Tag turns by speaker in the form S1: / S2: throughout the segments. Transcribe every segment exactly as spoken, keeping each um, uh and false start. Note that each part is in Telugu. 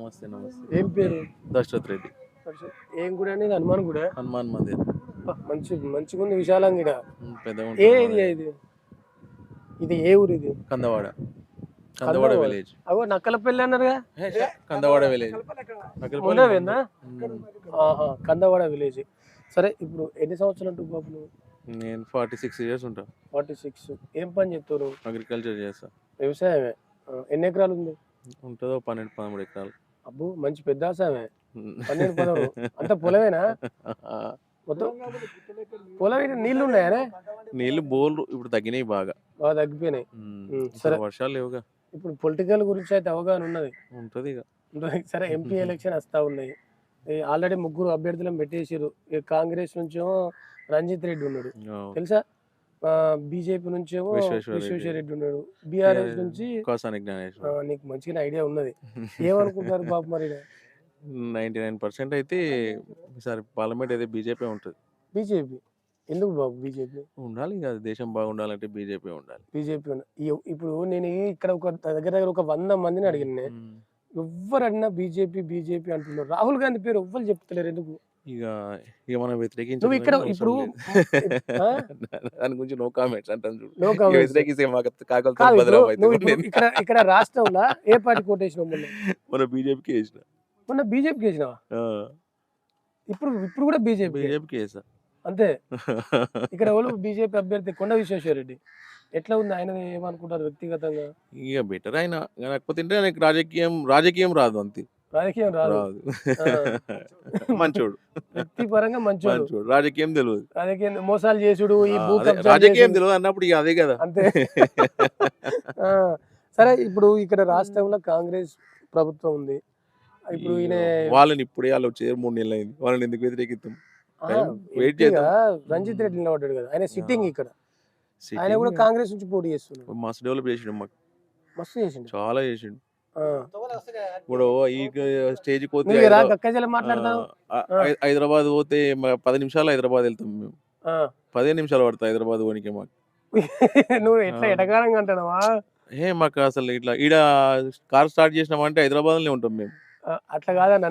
S1: నమస్తే నమస్తే.
S2: ఏం పేరు?
S1: దశరథ్ రెడ్డి.
S2: అసలు ఏం గుడి అనేది? హనుమాన్ గుడి.
S1: హనుమాన్ మందిర్.
S2: మంచి మంచిగా ఉంది, విశాలంగా ఈడ.
S1: పెద్దగా
S2: ఏ
S1: ఉంటుంది.
S2: ఏరియా ఇది? ఇది ఏ ఊరు ఇది?
S1: కందవాడ. కందవాడ విలేజ్.
S2: అవో నక్కలపల్లి అన్నారుగా.
S1: కందవాడ విలేజ్.
S2: ఉండవేందా? ఆహా, కందవాడ విలేజ్. సరే, ఇప్పుడు ఎన్ని సంవత్సరాలు అంటూ బాబు నువ్వు?
S1: నేను ఫార్టీ సిక్స్ ఇయర్స్ ఉంటా.
S2: Forty six. ఏం పని చెప్తారు?
S1: అగ్రికల్చర్ చేస్తా.
S2: వ్యవసాయమే. ఆ, ఎన్ని ఎకరాలు ఉంది?
S1: ఉంటుందో పన్నెండు పదమూడు ఎకరాలు.
S2: అబ్బో, మంచి పెద్ద వ్యవసాయమే. పన్నెండు పదమూడు అంత పొలమేనా మొత్తం? పొలం ఏంటి, నీళ్లు ఉన్నాయా?
S1: నీళ్లు బోర్లు ఇప్పుడు తగ్గినాయి, బాగా
S2: బాగా తగ్గిపోయినాయి.
S1: సరే, వర్షాలు లేవుగా.
S2: ఇప్పుడు పొలిటికల్ గురించి అయితే అవగాహన ఉన్నది.
S1: ఉంటది ఇక.
S2: సరే, ఎంపీ ఎలక్షన్ వస్తా ఉన్నాయి. ఆల్రెడీ ముగ్గురు అభ్యర్థులను పెట్టేసారు. కాంగ్రెస్ నుంచేమో రంజిత్ రెడ్డి ఉన్నాడు, తెలుసా? బీజేపీ నుంచేమో విశ్వేశ్వర రెడ్డి ఉన్నాడు. బీఆర్ఎస్ నుంచి నీకు మంచిగా ఐడియా ఉన్నది. ఏమనుకుంటున్నారు బాబు మరి?
S1: నైన్టీ నైన్ పర్సెంట్ అయితే ఈసారి పార్లమెంట్ అయితే బీజేపీ ఉంటుంది.
S2: బీజేపీ ఎందుకు బాబు? బీజేపీ
S1: ఉండాలి కదా, దేశం బాగుండాలంటే బీజేపీ ఉండాలి.
S2: బీజేపీ ఇప్పుడు నేను ఇక్కడ ఒక దగ్గర దగ్గర ఒక వంద మందిని అడిగిన, ఎవ్వరు అడినా బీజేపీ బీజేపీ అంటున్నారు. రాహుల్ గాంధీ పేరు ఎవ్వరు చెప్తలేరు, ఎందుకు?
S1: ఇక ఇక మనం వ్యతిరేకించు.
S2: నువ్వు ఇక్కడ ఇప్పుడు
S1: దాని గురించి నో కామెంట్స్ అంటాను చూడు.
S2: No comments. ఇక్కడ ఇక్కడ రాష్ట్రంలో ఏ పార్టీ కోటేసినావు? మొన్న
S1: మన బీజేపీకి వేసిన.
S2: మొన్న బీజేపీకి వేసినావా? ఇప్పుడు ఇప్పుడు కూడా బీజేపీ
S1: బీజేపీకి వేసా
S2: అంతే. ఇక్కడ ఎవరు బీజేపీ అభ్యర్థి కొండ విశ్వేశ్వర రెడ్డి ఎట్లా ఉంది? ఆయన ఏమనుకుంటారు వ్యక్తిగతంగా?
S1: ఇక బెటర్ ఆయన, కాకపోతే ఆయనకి రాజకీయం రాజకీయం రాదు, అంతే.
S2: రాజకీయం రాదు.
S1: మంచోడు,
S2: వ్యక్తిపరంగా మంచోడు,
S1: రాజకీయం తెలియదు.
S2: రాజకీయం మోసాలు చేసుడు, ఈ భూ
S1: రాజకీయం తెలియదు అన్నప్పుడు ఇక అదే కదా,
S2: అంతే. సరే, ఇప్పుడు ఇక్కడ రాష్ట్రంలో కాంగ్రెస్ ప్రభుత్వం ఉంది. ఇప్పుడు ఈయన
S1: వాళ్ళని ఇప్పుడే వాళ్ళు వచ్చారు, మూడు నెలలు అయింది. వాళ్ళని ఎందుకు వ్యతిరేకిస్తాం? వెయిట్ చేద్దాం.
S2: రంజిత్ రెడ్డి నిలబడ్డాడు కదా, ఆయన సిట్టింగ్ ఇక్కడ. ఆయన కూడా కాంగ్రెస్ నుంచి పోటీ చేస్తున్నాడు.
S1: మస్తు డెవలప్ చేసిండు, మాకు మస్తు
S2: చేసిండు,
S1: చాలా చేసిండు. ఇప్పుడు ఈ స్టేజ్ పోతే హైదరాబాద్ పోతే పది నిమిషాలు హైదరాబాద్ వెళ్తాం మేము. పదిహేను నిమిషాలు పడతాయి హైదరాబాద్ పోనీకి మాకు.
S2: నువ్వు ఎట్లా ఎటకారంగా అంటున్నావా?
S1: ఏ మాకు అసలు ఇట్లా ఈడ కార్ స్టార్ట్ చేసినామంటే హైదరాబాద్ లోనే ఉంటాం మేము.
S2: అట్లా కాదన్నా,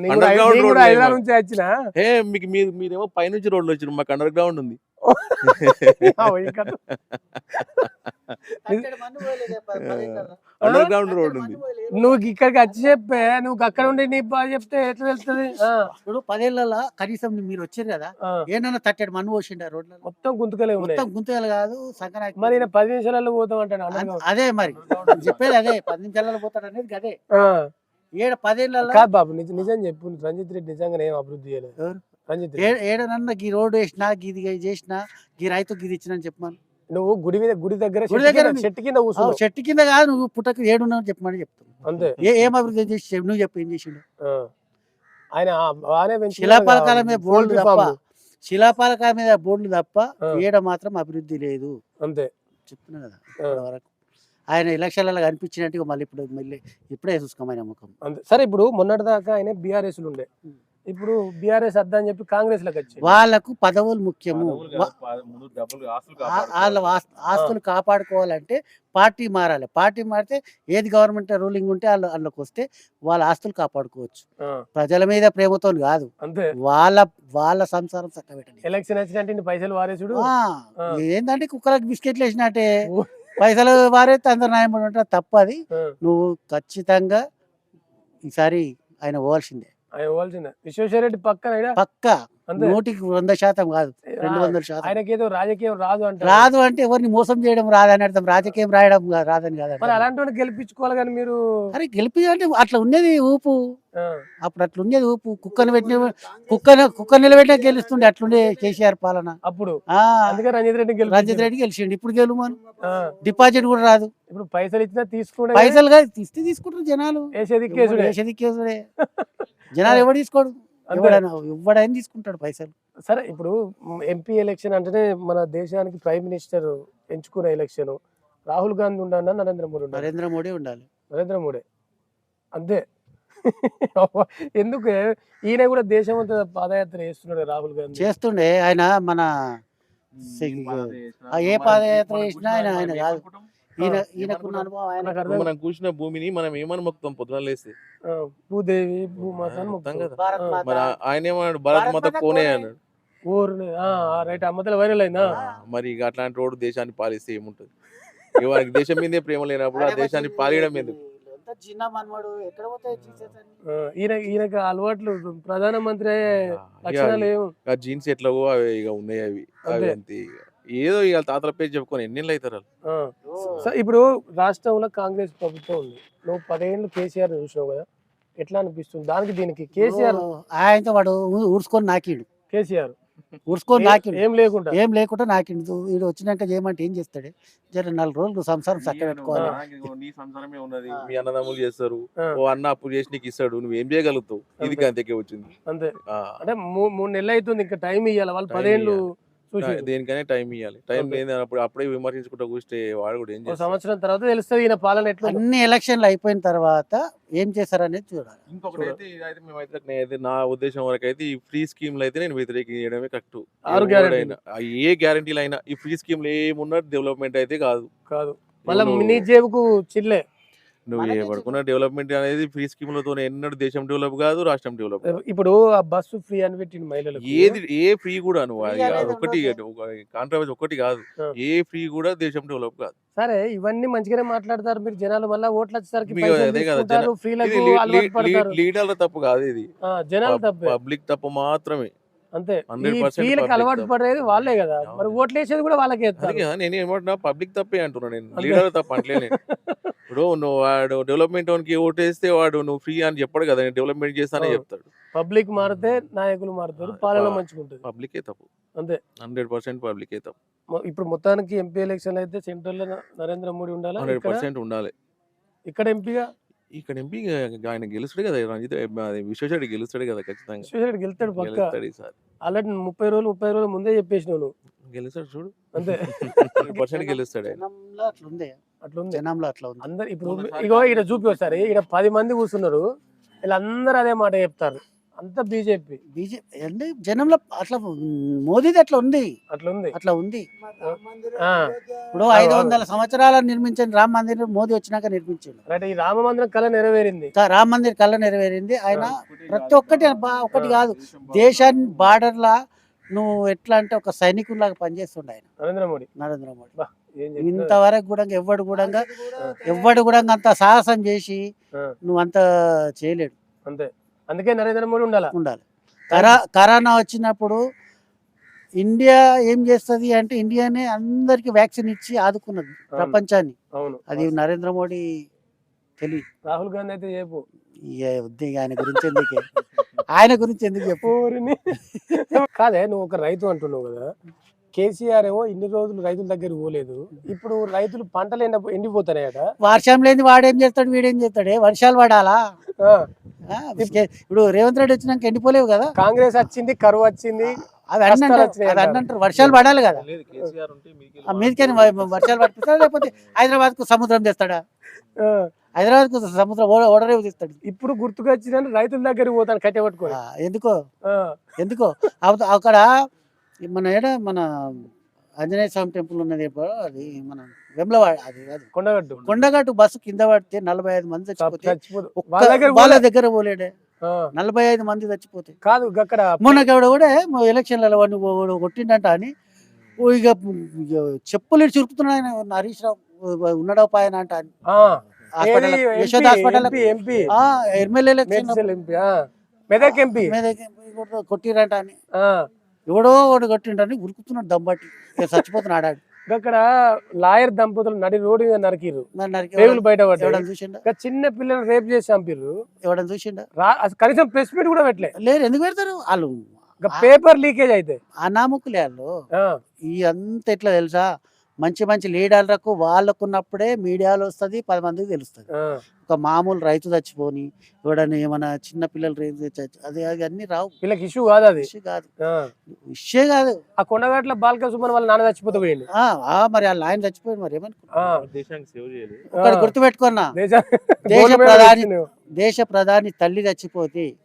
S1: ఏ మీకు మీరు మీరేమో పైనుంచి రోడ్లు వచ్చారు, మాకు అండర్ గ్రౌండ్ ఉంది. అండర్ గ్రౌండ్ రోడ్ ఉంది.
S2: నువ్వు ఇక్కడికి వచ్చి చెప్పే, నువ్వు అక్కడ ఉండి నీ బాగా చెప్తే ఎట్లా తెలుస్తుంది?
S3: ఇప్పుడు పదేళ్లలో కనీసం మీరు వచ్చారు కదా, ఏమన్నా తట్టేడు మన్ను పోసిండ రోడ్ల
S2: మొత్తం గుంతకలే ఉన్నాయి.
S3: మొత్తం గుంతకలు కాదు సంక్రాంతి.
S2: మరి పది నిమిషాలలో పోతాం అంటాను.
S3: అదే మరి చెప్పేది, అదే పది నిమిషాలలో పోతాడు అనేది అదే. ఏడ పదేళ్లలో
S2: కాదు బాబు, నిజం చెప్పు, రంజిత్ రెడ్డి నిజంగా ఏం అభివృద్ధి చేయలేదు. రంజిత్
S3: ఏడనన్నా గీ రోడ్డు వేసినా, గీది చేసినా, గీ రైతు గీది ఇచ్చిన చెప్పమని.
S2: నువ్వు గుడి మీద గుడి దగ్గర
S3: గుడి దగ్గర
S2: చెట్టు కింద కూర్చున్నావు.
S3: చెట్టు కింద కాదు, నువ్వు పుట్టకు ఏడున్నావు చెప్పమని చెప్తావు
S2: అంతే.
S3: ఏం అభివృద్ధి చేసి నువ్వు చెప్పు, ఏం చేసిండు?
S2: ఆయన
S3: శిలాపాలకాల మీద బోర్డు తప్ప, శిలాపాలకాల మీద బోర్డులు తప్ప ఏడ మాత్రం అభివృద్ధి లేదు,
S2: అంతే
S3: చెప్తున్నా కదా. వరకు ఆయన ఎలక్షన్లలో కనిపించినట్టుగా మళ్ళీ ఇప్పుడు మళ్ళీ ఇప్పుడే చూసుకోమని నమ్మకం.
S2: సరే, ఇప్పుడు మొన్నటి దాకా ఆయన బీఆర్ఎస్ ఉండే, ఇప్పుడు బీఆర్ఎస్ వద్దా అని చెప్పి కాంగ్రెస్ లకు వచ్చి,
S3: వాళ్ళకు పదవులు ముఖ్యము. వాళ్ళ ఆస్తులు కాపాడుకోవాలంటే పార్టీ మారాలి. పార్టీ మారితే ఏది గవర్నమెంట్ రూలింగ్ ఉంటే వాళ్ళు అందులోకి వస్తే వాళ్ళ ఆస్తులు కాపాడుకోవచ్చు. ప్రజల మీద ప్రేమతో కాదు,
S2: అంతే.
S3: వాళ్ళ వాళ్ళ సంసారం చక్కబెట్టండి.
S2: ఎలక్షన్ వచ్చినట్టు పైసలు వారేసుడు
S3: ఏంటంటే కుక్కలకు బిస్కెట్లు వేసినట్టే, పైసలు వారైతే అందరు న్యాయం ఉంటారు, తప్పది. నువ్వు ఖచ్చితంగా ఈసారి ఆయన పోవాల్సిందే.
S2: ఆయన పోవాల్సిందే. విశ్వేశ్వర రెడ్డి పక్కన
S3: పక్క నూటికి వంద శాతం కాదు, రెండు వందల శాతం.
S2: ఆయనకి ఏదో రాజకీయం రాదు అంటే,
S3: రాదు అంటే ఎవరిని మోసం చేయడం రాదని అర్థం, రాజకీయం రాయడం రాదని కాదు.
S2: మరి అలాంటి గెలిపించుకోవాలి కానీ మీరు.
S3: అరే గెలిపి అంటే అట్లా ఉన్నది ఊపు, అప్పుడు అట్లా ఉండేది ఊపు. కుక్కను పెట్టిన కుక్కను కుక్క నిలబెట్టినా గెలుస్తుండే, అట్లుండే కేసీఆర్ పాలన
S2: అప్పుడు. అందుకే రంజిత్ రెడ్డి
S3: రంజిత్ రెడ్డి గెలిచిండు. ఇప్పుడు గెలుమను, డిపాజిట్ కూడా రాదు.
S2: ఇప్పుడు పైసలు ఇచ్చినా తీసుకుంటే,
S3: పైసలు కాదు ఇస్తే తీసుకుంటారు జనాలు. వేసేదిక్కేసుడే జనాలు ఎవడు తీసుకోడు, ఎవడైనా ఎవడైనా తీసుకుంటాడు పైసలు.
S2: సరే, ఇప్పుడు ఎంపీ ఎలక్షన్ అంటేనే మన దేశానికి ప్రైమ్ మినిస్టర్ ఎంచుకునే ఎలక్షన్. రాహుల్ గాంధీ ఉండాలన్నా నరేంద్ర మోడీ ఉండాలి?
S3: నరేంద్ర మోడీ ఉండాలి.
S2: నరేంద్ర మోడీ అంతే. ఎందుకు ఈయన కూడా దేశం అంతా పాదయాత్ర చేస్తున్నాడు, రాహుల్ గాంధీ
S3: చేస్తుండే. ఆయన మన ఏ పాదయాత్ర చేసినా ఆయన ఆయన కాదు, ఈయన
S1: ఏమనుకున్నాం?
S3: ఈయనకున్న అనుభవం ఆయన
S2: నాకు అర్థం
S1: మనం కూర్చున్న భూమిని మనం ఏమని మొత్తం పొద్దున లేస్తే
S2: ఆ, భూదేవి భూమాత అని
S1: మొత్తం
S2: మొక్కుతాం.
S1: కదా
S3: భారత్
S2: ఆ,
S3: మాత
S1: మరి ఆ- ఆయన ఏమన్నాడు భారత్
S3: భారత్
S1: మాత
S3: మాత
S1: కోనే
S3: కోనే.
S1: అన్నాడు.
S2: ఊరిని రైట్ ఆ మధ్యలో వైరల్ అయిందా
S1: ఆ, మరి ఇక అట్లాంటి రోడ్డు దేశాన్ని పాలిస్తే ఏముంటుంది? ఇక వారికి దేశం మీదే ప్రేమ లేనప్పుడు ఆ దేశాన్ని పాలియడం ఎందుకు?
S3: ఎంత చిన్న మనవాడు ఎక్కడ పోతాయి జీసస్ అని.
S2: ఆ, ఈయన ఈయనకి అలవాట్లు ప్రధానమంత్రి అయ్యే
S1: ఆ, ఇక
S2: లక్షణాలు ఏం
S1: ఆ జీన్స్ ఎట్లాగో అవి ఇక ఉన్నాయి అవి అవి
S2: అంతే.
S1: అంతే ఇక. ఏదో ఇక తాతల పేరు చెప్పుకొని ఎన్నేళ్ళు అవుతారు వాళ్ళు.
S2: ఆ. సో ఇప్పుడు రాష్ట్రంలో కాంగ్రెస్ ప్రభుత్వం ఉంది, నువ్వు పదేళ్ళు కేసీఆర్ చూసినావు కదా, ఎట్లా అనిపిస్తుంది దానికి దీనికి? కేసీఆర్
S3: ఓ, ఆయనతో వాడు ఊ- ఊడ్చుకొని నాకిండు
S2: కేసీఆర్
S3: ఊడ్చుకొని
S2: ఏ-
S3: నాకిండు
S2: ఏం లేకుండా
S3: ఏం లేకుండా నాకిండు. వీడు వచ్చినాక చేయమంటే ఏం చేస్తాడు? జర నాలుగు రోజులు సంసారం చక్క పెట్టుకోవాలి.
S1: నీకు నీ సంసారమే ఉన్నది, మీ అన్నదమ్ములు చేస్తారు,
S2: ఆ,
S1: ఓ అన్న అప్పు చేసి నీకు ఇస్తాడు, నువ్వు ఏం చేయగలుగుతావు? ఇది
S2: అంతే.
S1: అంతకే వచ్చింది.
S2: అంతే.
S1: ఆ,
S2: అంటే మూ- మూడు నెలలు అవుతుంది, ఇంకా టైం ఇవ్వాలి వాళ్ళు.
S1: Time
S2: పదేళ్ళు
S1: ఇయ్యాలి.
S2: చూసి
S1: దేనికైనా టైం ఇవ్వాలి. టైం
S2: అంతే.
S1: లేదు అప్పుడు అప్పుడే విమర్శించుకుంటూ కూర్చే వాడు కూడా ఏం
S2: ఒక
S1: చేస్తాడు?
S2: సంవత్సరం తర్వాత తెలుస్తుంది ఈయన పాలన ఎట్లా ఉందో.
S3: అన్ని ఎలక్షన్లు అయిపోయిన తర్వాత ఏం చేశారనేది చూడాలి.
S1: ఇంకొకటి అయితే ఇదైతే మేమైతే నేనైతే నా ఉద్దేశం వరకు అయితే ఈ ఫ్రీ స్కీమ్లు అయితే నేను వ్యతిరేకించడమే కరెక్ట్.
S2: ఆరు guaranteeలు.
S1: ఏ గ్యారంటీలు అయినా ఈ ఫ్రీ స్కీమ్లు ఏమున్నా డెవలప్మెంట్ అయితే కాదు.
S2: కాదు మళ్ళీ
S1: నువ్వు-
S2: నీ జేబుకు చిల్లే.
S1: నువ్వు ఏ
S3: మనకే
S1: పడుకున్న డెవలప్మెంట్ అనేది ఫ్రీ స్కీమ్లతో ఎన్నడూ దేశం డెవలప్ కాదు, రాష్ట్రం డెవలప్ కాదు.
S2: ఇప్పుడు ఆ బస్సు ఫ్రీ అని పెట్టింది మహిళలకు.
S1: ఏది ఏ ఫ్రీ కూడా నువ్వు అది
S3: Free అనేది
S1: అది ఒకటి కాంట్రవర్సీ ఒకటి కాదు.
S2: ఆ.
S1: ఏ ఫ్రీ కూడా దేశం డెవలప్ కాదు.
S2: సరే ఇవన్నీ మంచిగానే మాట్లాడతారు మీరు, జనాలు మళ్ళీ ఓట్లు వచ్చేసరికి
S1: మీకు
S2: పైసలు
S1: అదే కదా
S2: తీసుకుంటారు,
S1: ఇది
S2: ఫ్రీలకు అలవాటు పడతారు.
S1: లీడర్ల తప్పు కాదు, ఇది
S2: ఆ, జనాలు తప్పే
S1: పబ్లిక్ తప్పు మాత్రమే.
S2: అంతే. ఈ
S1: హండ్రెడ్ పర్సెంట్
S2: ఫ్రీలకు
S1: పబ్లిక్
S2: అలవాటు
S1: తప్పు.
S2: పడేది వాళ్ళే కదా, మరి
S1: అవును.
S2: ఓట్లు వేసేది కూడా వాళ్ళకే
S1: అందుకే
S2: ఎత్తారు.
S1: కదా నేను ఏమంటున్నా, పబ్లిక్ తప్పే అంటున్నా నేను,
S2: అంతే.
S1: లీడర్ తప్ప అంటలే నేను. ఇప్పుడు నువ్వు వాడు డెవలప్మెంట్ వానికి ఓటేస్తే వాడు నువ్వు ఫ్రీ అని చెప్పడు కదా, నేను డెవలప్మెంట్ చేస్తానే
S2: అవును.
S1: చెప్తాడు.
S2: పబ్లిక్ మారితే నాయకులు మారుతారు,
S1: ఆ,
S2: పాలన
S1: ప-
S2: మంచిగుంటది.
S1: పబ్లికే తప్పు,
S2: అంతే.
S1: హండ్రెడ్ పర్సెంట్ పబ్లికే తప్పు.
S2: మొ- ఇప్పుడు మొత్తానికి ఎంపీ ఎలక్షన్ అయితే సెంట్రల్ లో న- నరేంద్ర మోడీ ఉండాలా,
S1: హండ్రెడ్
S2: ఇక్కడ
S1: పర్సెంట్ ఉండాలి.
S2: ఇక్కడ ఎంపీగా
S1: ఇక్కడ ఎంపీ ఆయన గెలుస్తాడు కదా, రంజిత్ అది విశ్వేశ్వరుడు గెలుస్తాడు కదా ఖచ్చితంగా.
S2: విశ్వేశ్వరుడు గెలుస్తాడు పక్క.
S1: గెలుస్తాడు ఈసారి,
S2: ఆల్రెడీ ముప్పై రోజులు ముప్పై రోజులు ముందే చెప్పేసినావు నువ్వు.
S1: గెలుస్తాడు చూడు.
S2: అంతే.
S1: హండ్రెడ్ పర్సెంట్ గెలుస్తాడు ఆయన.
S3: జనంలో అట్లా ఉంది
S2: అట్లుంది.
S3: జనంలో అట్లా ఉంది.
S2: అందరు ఇప్పుడు
S1: మొన్నసారి
S2: ఇగో ఇక్కడ చూపి వస్తారు, ఇక్కడ పది మంది కూర్చున్నారు, వీళ్ళందరూ అదే మాట చెప్తారు, అంతా బీజేపీ.
S3: బీజేపీ అంటే జనంలో అట్లా మోదీది అట్లా ఉంది
S2: అట్లుంది.
S3: అట్లా ఉంది.
S2: ఆ,
S3: ఇప్పుడు ఐదు వందల సంవత్సరాల నిర్మించిన రామ మందిర్ మోదీ వచ్చినాక నిర్మించాడు.
S2: రైట్. ఈ రామ మందిరం కళ నెరవేరింది.
S3: కా- రామ మందిర్ కళ్ళ నెరవేరింది. ఆయన ప్రతి ఒక్కటి బా- ఒకటి కాదు, దేశాన్ని బార్డర్లా నువ్వు ఎట్లా అంటే ఒక సైనికుల్లాగా పనిచేస్తుండే ఆయన
S2: నరేంద్ర మోడీ.
S3: నరేంద్ర మోడీ.
S2: బా, ఏం చెప్తున్నారు?
S3: ఇంతవరకు కూడా ఎవ్వడు కూడా ఎవ్వడు కూడా అంత సాహసం చేసి
S2: ఆ,
S3: నువ్వు అంత చేయలేడు.
S2: అంతే. అందుకే నరేంద్ర మోడీ ఉండాలా.
S3: ఉండాలి. కరా కరోనా వచ్చినప్పుడు ఇండియా ఏం చేస్తుంది అంటే ఇండియానే అందరికి వ్యాక్సిన్ ఇచ్చి ఆదుకున్నది ప్రపంచాన్ని.
S2: అవును.
S3: అది నరేంద్ర మోడీ తెలియదు.
S2: రాహుల్ గాంధీ అయితే చెప్పు.
S3: వద్దు ఇక ఆయన గురించి ఎందుకే ఆయన గురించి ఎందుకు చెప్పు.
S2: ఊరిని. కాదే నువ్వు ఒక రైతు అంటున్నావు కదా, కేసీఆర్ ఏమో ఇన్ని రోజులు రైతుల దగ్గరికి పోలేదు, ఇప్పుడు రైతులు పంటలు ఎండ ఎండిపోతాయట.
S3: వర్షం లేని వాడేం చేస్తాడు వీడేం చేస్తాడే, వర్షాలు పడాలా?
S2: ఆ,
S3: ఆ, ఇప్పుడు రేవంత్ రెడ్డి వచ్చినాక ఎండిపోలేవు కదా.
S2: కాంగ్రెస్ వచ్చింది, కరువు వచ్చింది,
S3: అవి అన్నీ
S2: కష్టాలు
S3: అంటారు,
S2: వచ్చినాయి
S3: అవి అన్నీ
S2: అంటారు.
S3: అంటారు. వర్షాలు పడాలి కదా.
S1: లేదు, కేసీఆర్ ఉంటే మీకెళ్ళి
S3: ఆ మీదికని వర్షాలు పడిపిస్తాడా లేకపోతే హైదరాబాద్ కు సముద్రం తెస్తాడా?
S2: ఆ,
S3: హైదరాబాద్ కు సముద్రం ఓడ- ఓడరేవు తెస్తాడు.
S2: ఇప్పుడు గుర్తుకొచ్చిన రైతుల దగ్గరికి పోతాను కట్టె పట్టుకొని.
S3: ఆ, ఎందుకో
S2: ఆ,
S3: ఎందుకో అవత- అక్కడ మన ఏడ మన ఆంజనేయ స్వామి టెంపుల్ ఉన్నది ఇప్పుడు, అది మన వెమ్లవాడ, అది అది
S2: కొండగట్టు.
S3: కొండగట్టు బస్సు కింద పడితే నలభై ఐదు మంది చచ్చిపోతే
S2: చచ్చిపోదు.
S3: ఒక్క
S2: వాళ్ళ దగ్గర
S3: వాళ్ళ
S2: పోలే.
S3: దగ్గర పోలేడే.
S2: ఆ,
S3: నలభై ఐదు మంది చచ్చిపోతే
S2: కాదు అక్కడ
S3: మొన్నకెవడ కూడా ఎలక్షన్లలో వాడిని ఓ- కొట్టిండంట అని ఓ ఇక ఇక చెప్పులు చురుకుతున్నాడు ఆయన హరీష్ రావు ఉన్నాడో పాయన అంట అని.
S2: ఆ,
S3: హాస్పిటల్
S2: ఏది
S3: Yashoda
S2: MP,
S3: hospital
S2: MP, MP,
S3: MLA election
S2: Medchal MP, ఆ, మెదక్ ఎంపీ.
S3: కొట్టిరంట అని
S2: ఆ,
S3: ఎవడో వాడు కొట్టిండని ఉరుకుతున్నాడు దమ్బట్టి ఇక చచ్చిపోతున్నాడు ఆడు.
S2: అక్కడ లాయర్ దంపతులు నడి రోడ్డు మీద నరికిర్రు,
S3: మరి నరికి
S2: పేగులు బయట పడ్డాయి.
S3: ఎవడని చూసిండా
S2: ఇంకా చిన్న పిల్లలు రేప్ చేసి చంపిర్రు,
S3: ఎవడని చూసిండా
S2: రా- అసలు కనీసం ప్రెస్ మీట్ కూడా పెట్టలే.
S3: లేరు. ఎందుకు పెడతారు వాళ్ళు?
S2: ఇంకా పేపర్ లీకేజ్ అయితే.
S3: అనాముకులే వాళ్ళు.
S2: ఆ,
S3: ఈ అంత ఎట్లా తెలుసా, మంచి మంచి లీడర్లకు వాళ్ళకున్నప్పుడే మీడియాలో వస్తుంది, పది మందికి తెలుస్తుంది.
S2: ఆ,
S3: ఒక మామూలు రైతు చచ్చిపోని ఎవడని ఏమన్నా చిన్న పిల్లలు రేపు చచ్చి అది అది అన్ని రావు.
S2: వీళ్ళకి ఇష్యూ కాదు అది.
S3: విషయం కాదు,
S2: ఆ,
S3: విషయం కాదు.
S2: ఆ కొండగట్ల బాలక సుమన్ వాళ్ళ నాన్న చచ్చిపోతే పోయింది.
S3: ఆ, ఆ, మరి వాళ్ళ ఆయన చచ్చిపోయింది మరి ఏమనుకో.
S2: ఆ,
S1: దేశానికి సేవ్ చేయలేదు.
S3: ఒకటి గుర్తుపెట్టుకున్నా,
S2: దేశ-
S3: దేశ
S2: గోల్డ్ మెడల్
S3: ప్రధాని
S2: వచ్చింది.
S3: దేశ ప్రధాని తల్లి చచ్చిపోతే
S2: ఆ.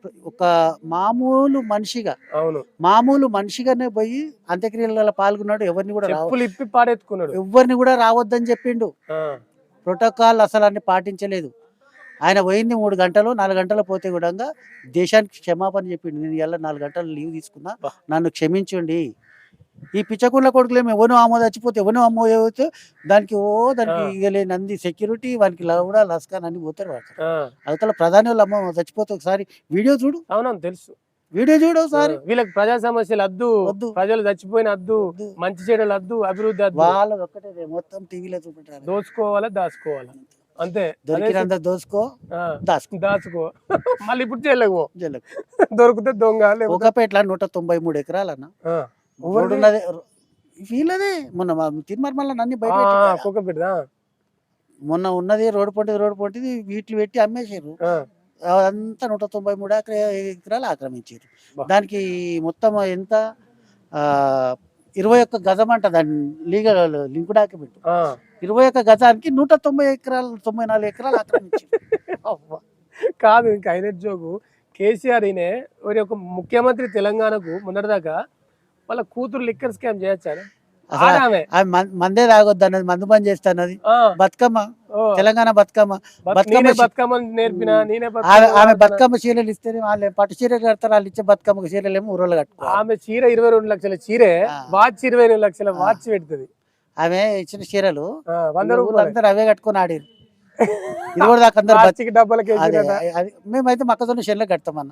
S3: ఒక మామూలు మనిషిగా
S2: అవును
S3: మామూలు మనిషిగానే పోయి అంత్యక్రియలలో పాల్గొన్నాడు. ఎవరిని కూడా రావ
S2: చెప్పులు ఇప్పి పాడెత్తుకున్నాడు
S3: ఎవరిని కూడా రావద్దని చెప్పిండు.
S2: ఆ,
S3: ప్రోటోకాల్ అసలు అన్ని పాటించలేదు. ఆయన పోయింది మూడు గంటలు నాలుగు గంటలు పోతే కూడా దేశానికి క్షమాపణ చెప్పిండు. నేను ఇలా నాలుగు గంటలు లీవ్ తీసుకున్నా,
S2: బా.
S3: నన్ను క్షమించండి. ఈ పిచ్చకుండ్ల కొడుకులేమో ఎవనో అమ్మో చచ్చిపోతే ఎవనో అమ్మో చచ్చిపోతే దానికి ఓ దానికి
S2: ఆ.
S3: ఇక నంది సెక్యూరిటీ వానికి లవడా లస్కాన్ అన్ని పోతారు వాడు.
S2: ఆ,
S3: అవతల ప్రధాని వాళ్ళు అమ్మ చచ్చిపోతే ఒకసారి వీడియో చూడు,
S2: అవునవును తెలుసు.
S3: వీడియో చూడు
S2: ఆ,
S3: ఒకసారి.
S2: వీళ్ళకి ప్రజా సమస్యలు అద్దు,
S3: వద్దు.
S2: ప్రజలు చచ్చిపోయిన అద్దు,
S3: వద్దు.
S2: మంచి చెడులు అద్దు, అభివృద్ధి అద్దు,
S3: వాళ్ళది ఒక్కటే మొత్తం టీవీలో చూపెట్టారు.
S2: దోచుకోవాలా దాచుకోవాలా అంతే. అదే
S3: దొరికినంత దోసుకో
S2: ఆ,
S3: దాచుకో.
S2: దాచుకో మళ్ళీ ఇప్పుడు చేయలేవు,
S3: జల్లకు.
S2: దొరికితే దొంగ లేకపోతే
S3: ఒకపేట్ల నూట తొంభై మూడు ఎకరాలన్న
S2: ఆ,
S3: రోడ్డున్నది వీళ్ళదే. మొన్న తిరుమల నన్ను బయట
S2: ఆ,
S3: పెట్టిండు కదా.
S2: కుక్క బిడ్డ
S3: మొన్న ఉన్నది రోడ్డు పొంటిది రోడ్డు పొంటిది వీటిని పెట్టి అమ్మేసారు.
S2: ఆ,
S3: అంతా నూట తొంభై మూడు ఎకరా ఎకరాలు ఆక్రమించారు.
S2: బా.
S3: దానికి మొత్తం ఎంత ఆ, ఇరవై ఒక్క గజం అంట దాని లీగల్ లింక్ డాక్యుమెంట్.
S2: ఆ.
S3: ఇరవై ఒక్క గజానికి నూట తొంభై ఎకరాలు తొంభై నాలుగు ఎకరాలు ఆక్రమించారు.
S2: అవ్వ. కాదు ఇంకా అయిన జోగు కేసీఆర్ ఈయనే మరి ఒక ముఖ్యమంత్రి తెలంగాణకు మొన్నటిదాకా వాళ్ళ కూతురు లిక్కర్ స్కామ్ చేయొచ్చా
S3: అసలు
S2: ఆడామే
S3: ఆమె మం- మందే తాగొద్దు అన్నది, మందు బంద్ చేస్తా అన్నది. బతుకమ్మ తెలంగాణ బతుకమ్మ బతుకమ్మ
S2: నేనే
S3: చీ-
S2: బతుకమ్మ నేర్పిన నేనే
S3: ఆమె
S2: బతుకమ్మ
S3: ఆమె
S2: ఆడుతున్నా.
S3: బతుకమ్మ చీరలు ఇస్తేనే వాళ్ళు పట్టు చీరలు కడతారు, వాళ్ళు ఇచ్చే బతుకమ్మ చీరలు ఏమో ఊరోళ్ళు కట్టుకోవాలి.
S2: ఆమె చీర ఇరవై రెండు లక్షల చీరే
S3: ఆ.
S2: వాచ్ ఇరవై రెండు లక్షల
S3: ఆ.
S2: వాచ్ పెడుతుంది.
S3: ఆమె ఇచ్చిన చీరలు
S2: ఆ, వంద రూపాయలు
S3: అందరూ అవే కట్టుకొని ఆడారు. ఇది కూడా దాకా అందరు బతు-
S2: ప్లాస్టిక్ డబ్బాలకి
S3: అదే
S2: వేసిరట.
S3: అది మేమైతే మొక్కజొన్న చేనులే కడతామన్న.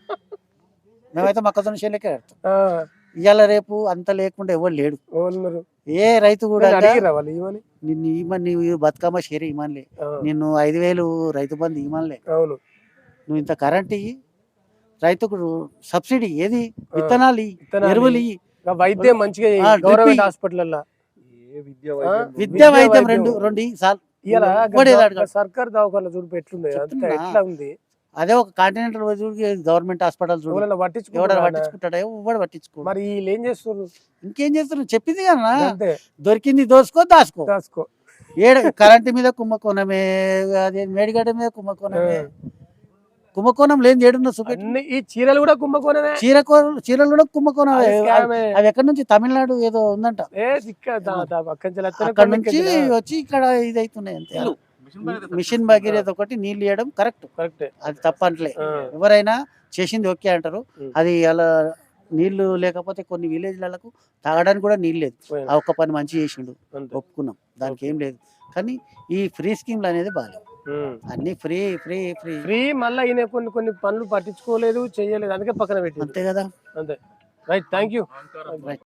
S3: మేమైతే మొక్కజొన్న చేనులకే కడతాం.
S2: ఆ,
S3: ఇవాళ రేపు అంత లేకుండా ఎవరు లేడు.
S2: ఎవరున్నారు?
S3: ఏ రైతు కూడా
S2: నేను అడిగిరా వాళ్ళు ఇవని?
S3: నిన్ను ఈమని నీవు బతుకమ్మ చీర ఇమ్మనిలే,
S2: ఆ,
S3: నిన్ను ఐదు వేలు రైతు బంధు ఇమ్మనిలే,
S2: అవును
S3: నువ్వు ఇంత కరెంట్ ఇయ్యి, రైతుకు సబ్సిడీ ఏది విత్తనాలు ఇయ్యి,
S2: విత్తనాలు
S3: ఎరువులు ఇయ్యి,
S2: ఇంకా వైద్యం మంచిగా చేయి.
S3: ఆ, డ్రిప్
S2: గవర్నమెంట్
S3: ఇయ్యి.
S2: హాస్పిటల్లో
S1: ఏ విద్య
S2: ఆ?
S1: వైద్యం
S3: విద్యా
S2: విద్యా
S3: వైద్యం
S2: వైద్యం.
S3: రెండు రెండు ఇయ్యి చాలు.
S2: ఇలా
S3: ఇంకోటి ఏదో అడగాలి.
S2: సర్కార్ దవాఖాన చూడు ఎట్లుంది అంతా
S3: చెప్తున్నా.
S2: ఎట్లా ఉంది.
S3: అదే ఒక కాంటినెంటల్ గవర్నమెంట్ హాస్పిటల్ చూడు,
S2: ఎవరైనా
S3: ఎవడ
S2: పట్టించుకుంటారా?
S3: పట్టించుకుంటాడా? ఎవడు పట్టించుకో.
S2: మరి వీళ్ళు ఏం చేస్తున్నారు?
S3: ఇంకేం చేస్తున్నారు చెప్పింది కదా,
S2: అంతే
S3: దొరికింది దోసుకో దాసుకో.
S2: దాసుకో.
S3: ఏడ కరెంటు మీద కుంభకోణమే, అదే మేడిగడ్డ మీద కుంభకోణమే. కుంభకోణం లేని ఏడున్న చూపెట్టి.
S2: అన్ని ఈ చీరలు కూడా కుంభకోణమే.
S3: చీర చీరలు కూడా కుంభకోణం.
S2: అది స్కామే.
S3: అవి ఎక్కడి నుంచి తమిళనాడు ఏదో ఉందంట,
S2: ఏ ఇక్కడ దా- దా- అక్కడి నుంచి వస్తేనే
S3: అక్కడ
S2: కొన్ని
S3: నుంచి
S2: కింద.
S3: వచ్చి ఇక్కడ ఇది అవుతున్నాయి అంతే. మిషన్ భగీరథ ఒకటి నీళ్ళు ఇవ్వడం కరెక్ట్,
S2: కరెక్టే.
S3: అది తప్పంటలే.
S2: ఆ,
S3: ఎవరైనా చేసింది ఓకే అంటారు.
S2: ఉం.
S3: అది అలా నీళ్లు లేకపోతే కొన్ని విలేజ్లకు తాగడానికి కూడా నీళ్ళు లేదు.
S2: పోయినా.
S3: ఆ ఒక్క పని మంచి చేసిండు,
S2: అంతే.
S3: ఒప్పుకున్నాం, దానికి ఏం లేదు. కానీ ఈ ఫ్రీ స్కీమ్లు అనేది బాగాలేదు.
S2: ఉం.
S3: అన్ని ఫ్రీ ఫ్రీ ఫ్రీ
S2: ఫ్రీ మళ్ళీ ఈయన కొన్ని కొన్ని పనులు పట్టించుకోలేదు, చేయలేదు, అందుకే పక్కన పెట్టి.
S3: అంతే కదా.
S2: అంతే. Right, thank you.
S3: రైట్.